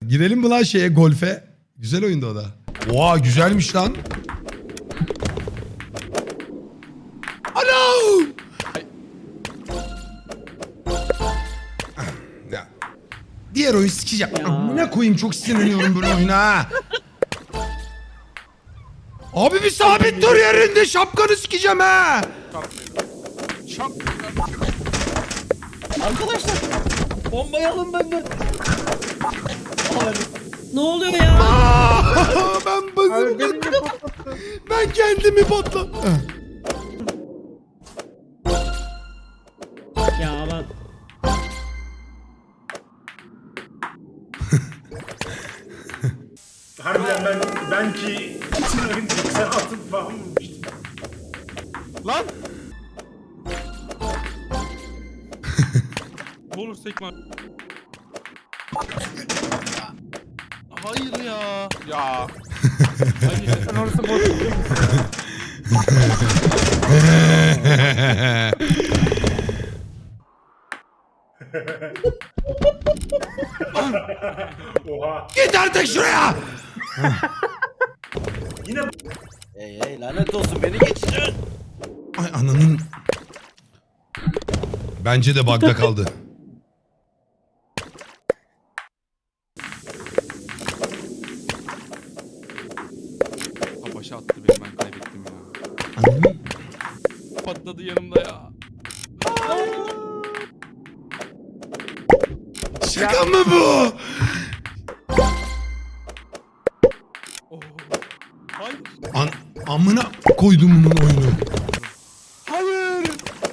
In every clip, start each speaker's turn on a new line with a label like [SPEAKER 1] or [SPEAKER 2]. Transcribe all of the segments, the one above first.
[SPEAKER 1] Girelim mi lan şeye, golfe? Güzel oyunda o da. Oha güzelmiş lan. Alo! Ya. Diğer oyun sikeceğim. Amına koyayım, çok sinirleniyorum böyle oyuna ha. Abi bir sabit dur yerinde, şapkanı sikeceğim ha.
[SPEAKER 2] Arkadaşlar bombayı alın benden. Ne oluyor ya?
[SPEAKER 1] Ben bazım. Ben kendimi patlattım.
[SPEAKER 2] Ya ben...
[SPEAKER 3] Harbiden ben ki bütün oyun 96 falan bulmuştum.
[SPEAKER 4] Lan! Olur sekme. Hayır ya. Ya. Hayır sen orası boş.
[SPEAKER 3] Oha.
[SPEAKER 1] Git artık şuraya.
[SPEAKER 3] Yine
[SPEAKER 2] Hey lanet olsun beni geçirin.
[SPEAKER 1] Ay ananın. Bence de bug'da kaldı.
[SPEAKER 4] Ha başa attı beni, ben kaybettim ya.
[SPEAKER 1] Ananın.
[SPEAKER 4] Patladı yanımda ya.
[SPEAKER 1] Şaka mı bu?
[SPEAKER 4] Oh. Hayır.
[SPEAKER 1] Amına koydum bunun oyunu.
[SPEAKER 4] Hayır.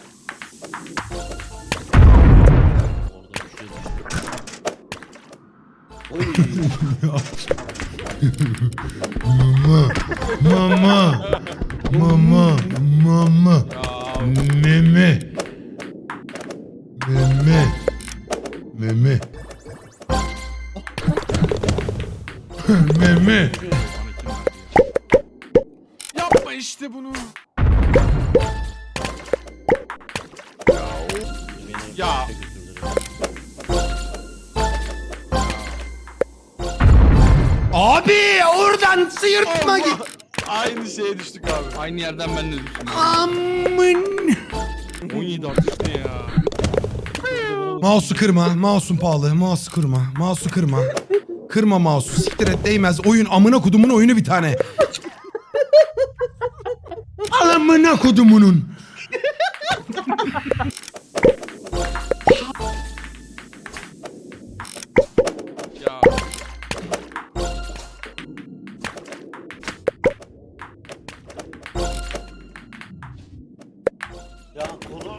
[SPEAKER 1] Mama. Mama. Mama.
[SPEAKER 4] Ya.
[SPEAKER 1] Meme. Meme. Meme. Meme.
[SPEAKER 4] Bana kim verdi ya? Yapma işte bunu. Ya.
[SPEAKER 1] Abi oradan sıyırtma git.
[SPEAKER 4] Aynı şeye düştük abi. Aynı yerden ben de düştüm.
[SPEAKER 1] Amın.
[SPEAKER 4] 17 artış ne ya?
[SPEAKER 1] Mouse'u kırma. Mouse'un pahalı. Mouse'u kırma. Mouse'u kırma. Kırma mouse'u. Siktir et, değmez. Oyun amına kodumun oyunu bir tane. Al amına kodumunun.
[SPEAKER 4] Ya.
[SPEAKER 2] Ya konu.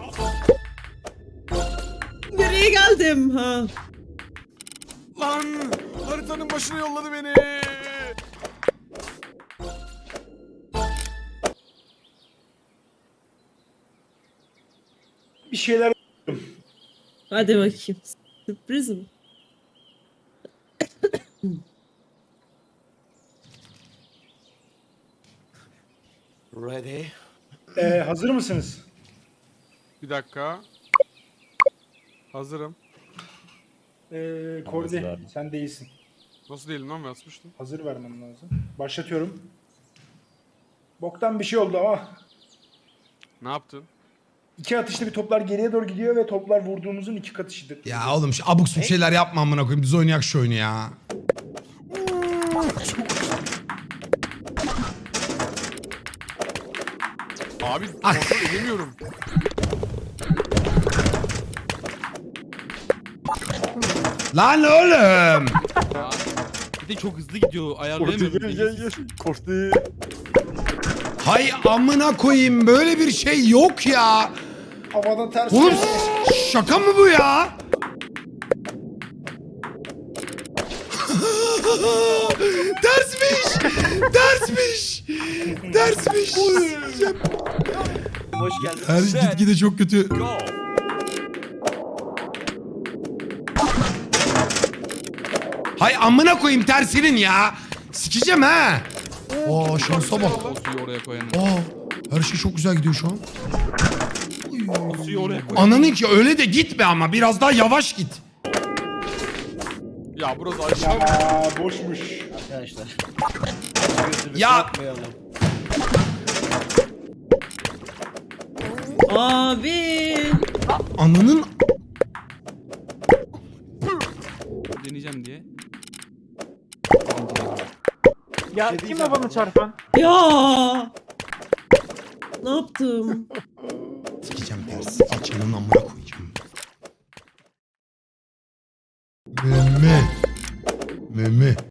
[SPEAKER 2] Nereye geldim ha?
[SPEAKER 4] Lan! Haritanın başına yolladı beni.
[SPEAKER 3] bir şeyler
[SPEAKER 5] Hadi bakayım. Sürpriz mi?
[SPEAKER 2] Ready?
[SPEAKER 3] hazır mısınız?
[SPEAKER 4] Bir dakika. Hazırım.
[SPEAKER 3] Kordi sen değilsin.
[SPEAKER 4] Nasıl değilim lan, ben asmıştım.
[SPEAKER 3] Hazır vermem lazım. Başlatıyorum. Boktan bir şey oldu ama
[SPEAKER 4] Ne yaptın?
[SPEAKER 3] 2 atışta bir toplar geriye doğru gidiyor ve toplar vurduğumuzun 2 katışıdır.
[SPEAKER 1] Ya oğlum şu abuk subuk şeyler yapma amına koyayım. Biz oynayak şu oyunu ya.
[SPEAKER 4] Abi
[SPEAKER 1] Ay.
[SPEAKER 4] kontrol edemiyorum.
[SPEAKER 1] Lan oğlum.
[SPEAKER 4] Ya. Bir de çok hızlı gidiyor, ayarlayamıyorum.
[SPEAKER 2] Korktu.
[SPEAKER 1] Hay amına koyayım, böyle bir şey yok ya.
[SPEAKER 3] Havada ters.
[SPEAKER 1] Oğlum şaka mı bu ya? Dersmiş. Dersmiş. Dersmiş.
[SPEAKER 2] Hoş geldin.
[SPEAKER 1] Her gitgide çok kötü. Hay amına koyayım tersinin ya. Sikeceğim ha. Aa şansa bak.
[SPEAKER 4] O suyu oraya koyanım.
[SPEAKER 1] Aa her şey çok güzel gidiyor şu an.
[SPEAKER 4] O suyu oraya koyanım.
[SPEAKER 1] Ananın ki öyle de gitme ama biraz daha yavaş git.
[SPEAKER 4] Ya burası aşağı.
[SPEAKER 3] Aa boşmuş.
[SPEAKER 2] Arkadaşlar. Gözümüzü
[SPEAKER 1] Ya!
[SPEAKER 2] korkmayalım.
[SPEAKER 5] Abi.
[SPEAKER 1] Ananın
[SPEAKER 4] Deneyeceğim diye.
[SPEAKER 6] Ya
[SPEAKER 3] Şey
[SPEAKER 6] kim
[SPEAKER 3] diyeceğim
[SPEAKER 6] o bana
[SPEAKER 3] ama.
[SPEAKER 6] çarpan?
[SPEAKER 5] Ya. Ne yaptım?